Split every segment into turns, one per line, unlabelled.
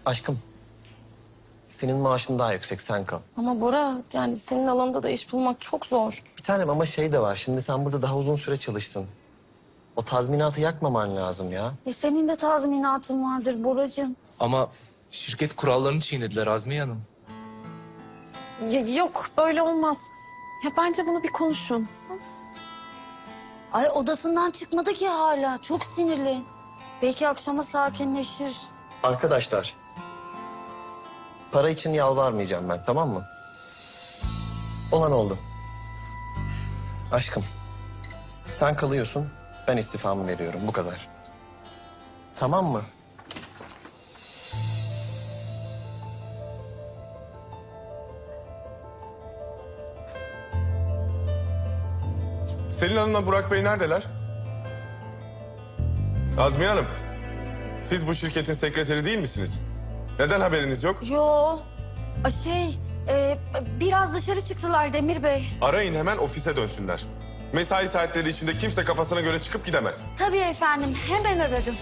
Aşkım, senin maaşın daha yüksek, sen kal.
Ama Bora, yani senin alanında da iş bulmak çok zor.
Bir tanem ama şey de var, şimdi sen burada daha uzun süre çalıştın. O tazminatı yakmaman lazım ya.
Senin de tazminatın vardır Boracığım.
Ama şirket kurallarını çiğnediler Azmiye Hanım.
Yok, böyle olmaz. Ya bence bunu bir konuşun.
Ay odasından çıkmadı ki hala. Çok sinirli. Belki akşama sakinleşir.
Arkadaşlar, para için yalvarmayacağım ben, tamam mı? Olan oldu. Aşkım, sen kalıyorsun, ben istifamı veriyorum, bu kadar. Tamam mı?
Selin Hanım'la Burak Bey neredeler? Azmiye Hanım, siz bu şirketin sekreteri değil misiniz? Neden haberiniz yok?
Yo. Biraz dışarı çıktılar Demir Bey.
Arayın hemen ofise dönsünler. Mesai saatleri içinde kimse kafasına göre çıkıp gidemez.
Tabii efendim. Hemen ararım.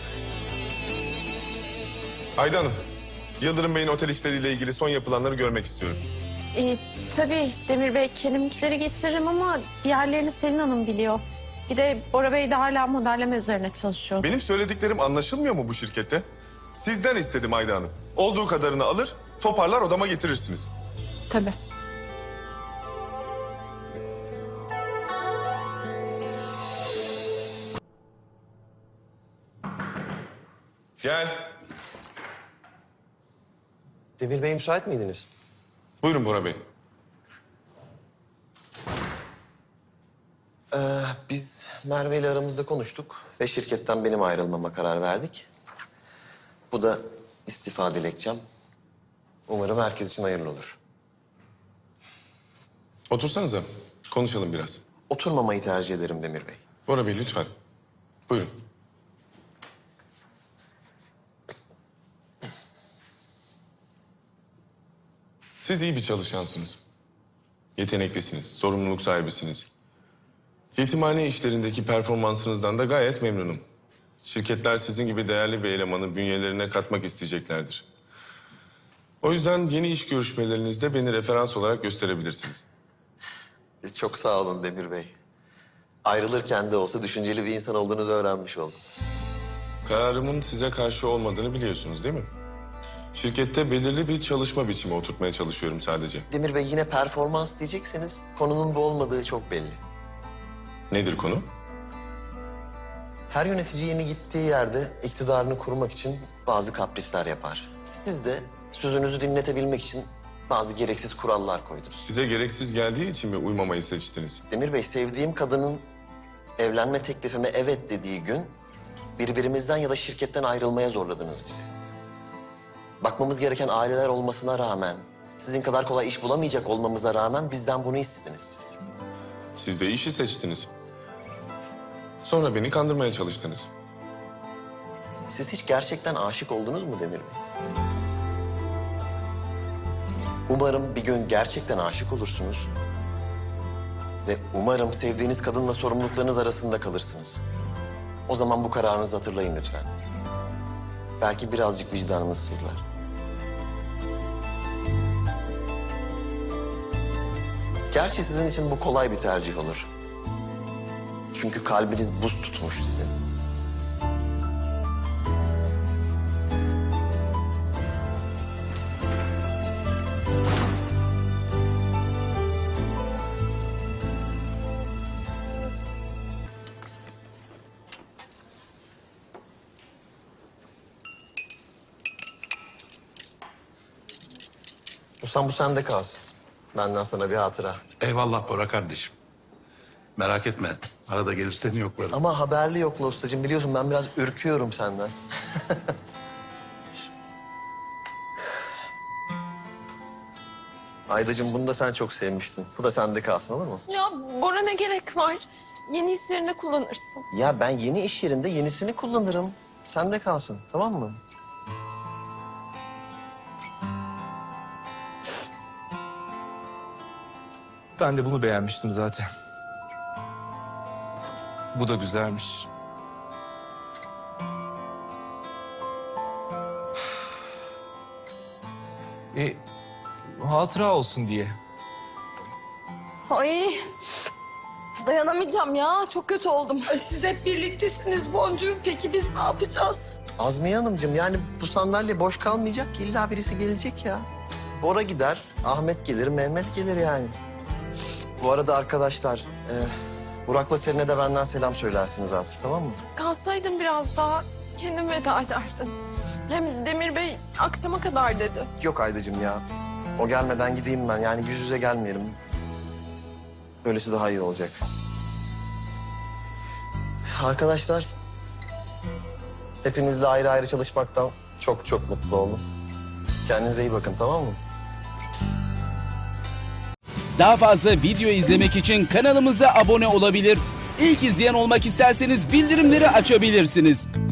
Ayda Hanım, Yıldırım Bey'in otel işleriyle ilgili son yapılanları görmek istiyorum.
Tabii Demir Bey, kendimkileri getiririm ama diğerlerini Selin Hanım biliyor. Bir de Bora Bey de hala modelleme üzerine çalışıyor.
Benim söylediklerim anlaşılmıyor mu bu şirkette? Sizden istedim Ayda Hanım. Olduğu kadarını alır, toparlar odama getirirsiniz.
Tabii.
Gel.
Demir Bey, müsait miydiniz?
Buyurun Bora Bey.
Biz Merve ile aramızda konuştuk ve şirketten benim ayrılmama karar verdik. Bu da istifa dilekçem. Umarım herkes için hayırlı olur.
Otursanıza, konuşalım biraz.
Oturmamayı tercih ederim Demir Bey.
Bora Bey lütfen. Buyurun. Siz iyi bir çalışansınız. Yeteneklisiniz, sorumluluk sahibisiniz. Yetimhane işlerindeki performansınızdan da gayet memnunum. Şirketler sizin gibi değerli bir elemanı bünyelerine katmak isteyeceklerdir. O yüzden yeni iş görüşmelerinizde beni referans olarak gösterebilirsiniz.
Çok sağ olun Demir Bey. Ayrılırken de olsa düşünceli bir insan olduğunuzu öğrenmiş oldum.
Kararımın size karşı olmadığını biliyorsunuz değil mi? Şirkette belirli bir çalışma biçimi oturtmaya çalışıyorum sadece.
Demir Bey, yine performans diyecekseniz konunun bu olmadığı çok belli.
Nedir konu?
Her yönetici yeni gittiği yerde iktidarını kurmak için bazı kaprisler yapar. Siz de sözünüzü dinletebilmek için bazı gereksiz kurallar koydunuz.
Size gereksiz geldiği için mi uymamayı seçtiniz?
Demir Bey, sevdiğim kadının evlenme teklifime evet dediği gün birbirimizden ya da şirketten ayrılmaya zorladınız bizi. Bakmamız gereken aileler olmasına rağmen, sizin kadar kolay iş bulamayacak olmamıza rağmen bizden bunu istediniz siz.
Siz de işi seçtiniz. Sonra beni kandırmaya çalıştınız.
Siz hiç gerçekten aşık oldunuz mu Demir Bey? Umarım bir gün gerçekten aşık olursunuz. Ve umarım sevdiğiniz kadınla sorumluluklarınız arasında kalırsınız. O zaman bu kararınızı hatırlayın lütfen. Belki birazcık vicdanınız sızlar. Gerçi sizin için bu kolay bir tercih olur. Çünkü kalbiniz buz tutmuş sizin. Ustam, bu sende kalsın. Benden sana bir hatıra.
Eyvallah Bora kardeşim. Merak etme. Arada gelir seni yoklarım.
Ama haberli yokla ustacığım, biliyorsun ben biraz ürküyorum senden. Aydacığım, bunu da sen çok sevmiştin. Bu da sende kalsın, olur mu?
Ya Bora, ne gerek var? Yeni iş yerinde kullanırsın.
Ya ben yeni iş yerinde yenisini kullanırım. Sende kalsın, tamam mı?
Ben de bunu beğenmiştim zaten. Bu da güzelmiş. Hatıra olsun diye.
Ay dayanamayacağım ya. Çok kötü oldum. Siz hep birliktesiniz Boncuğum. Peki biz ne yapacağız?
Azmiye Hanımcığım yani bu sandalye boş kalmayacak ki illa birisi gelecek ya. Bora gider, Ahmet gelir, Mehmet gelir yani. Bu arada arkadaşlar, Burak'la Selin'e de benden selam söylersiniz artık, tamam mı?
Kalsaydın biraz daha kendim veda ederdim. Hem Demir Bey akşama kadar dedi.
Yok Aydacığım ya. O gelmeden gideyim ben. Yani yüz yüze gelmeyelim. Böylesi daha iyi olacak. Arkadaşlar, hepinizle ayrı ayrı çalışmaktan çok çok mutlu oldum. Kendinize iyi bakın, tamam mı?
Daha fazla video izlemek için kanalımıza abone olabilir. İlk izleyen olmak isterseniz bildirimleri açabilirsiniz.